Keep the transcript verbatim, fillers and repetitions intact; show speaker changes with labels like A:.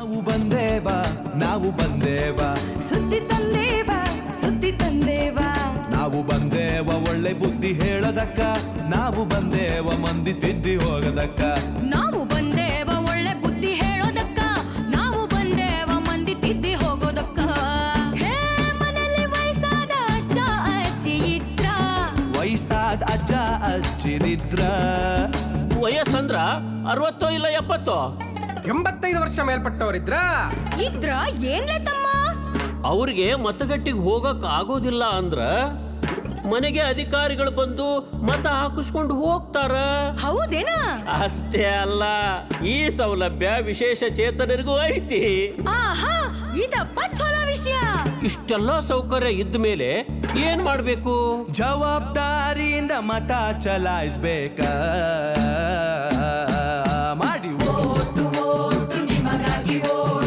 A: ನಾವು ಬಂದೇವ ನಾವು ಬಂದೇವ
B: ಸುದ್ದಿ ತಂದೇವ ಸುದ್ದಿ ತಂದೇವ
A: ನಾವು ಬಂದೇವ ಒಳ್ಳೆ ಬುದ್ಧಿ ಹೇಳದಕ್ಕ ನಾವು ಬಂದೇವ ಮಂದಿ ತಿದ್ದಿ ಹೋಗದಕ್ಕ
B: ನಾವು ಬಂದೇವ ಒಳ್ಳೆ ಬುದ್ಧಿ ಹೇಳೋದಕ್ಕ ನಾವು ಬಂದೇವ ಮಂದಿ ತಿದ್ದಿ ಹೋಗೋದಕ್ಕ ಹೇ ಮನೆಯಲ್ಲಿ ವಯಸ್ಸಾದ ಅಜ್ಜ ಅಜ್ಜಿ ಇದ್ರ
A: ವಯಸ್ಸಾದ ಅಜ್ಜ ಅಜ್ಜಿರಿದ್ರ
C: ವಯಸ್ಸಂದ್ರ ಅರವತ್ತೋ ಇಲ್ಲ ಎಪ್ಪತ್ತೋ
D: ಎಂಬತ್ತೈದು ವರ್ಷ ಮೇಲ್ಪಟ್ಟವರಿದ್ರ
B: ಇದ್ರ ಏನ್ಲೆ ತಮ್ಮ
C: ಅವ್ರಿಗೆ ಮತಗಟ್ಟಿಗೆ ಹೋಗಕ್ ಆಗೋದಿಲ್ಲ ಅಂದ್ರ ಮನೆಗೆ ಅಧಿಕಾರಿಗಳು ಬಂದು ಮತ ಹಾಕಿಸ್ಕೊಂಡು ಹೋಗ್ತಾರ.
B: ಹೌದೇನ?
C: ಅಷ್ಟೇ ಅಲ್ಲ, ಈ ಸೌಲಭ್ಯ ವಿಶೇಷ ಚೇತನರಿಗೂ ಐತಿ.
B: ಆಹಾ, ಇದಪ್ಪ ಚಲೋ ವಿಷಯ.
C: ಇಷ್ಟೆಲ್ಲ ಸೌಕರ್ಯ ಇದ್ದ ಮೇಲೆ ಏನ್ ಮಾಡ್ಬೇಕು?
A: ಜವಾಬ್ದಾರಿಯಿಂದ ಮತ ಚಲಾಯಿಸ್ಬೇಕ ಮಾಡಿ
B: ಓಟು ಓಟು ನಿಮಗಾಗಿ ಓಟು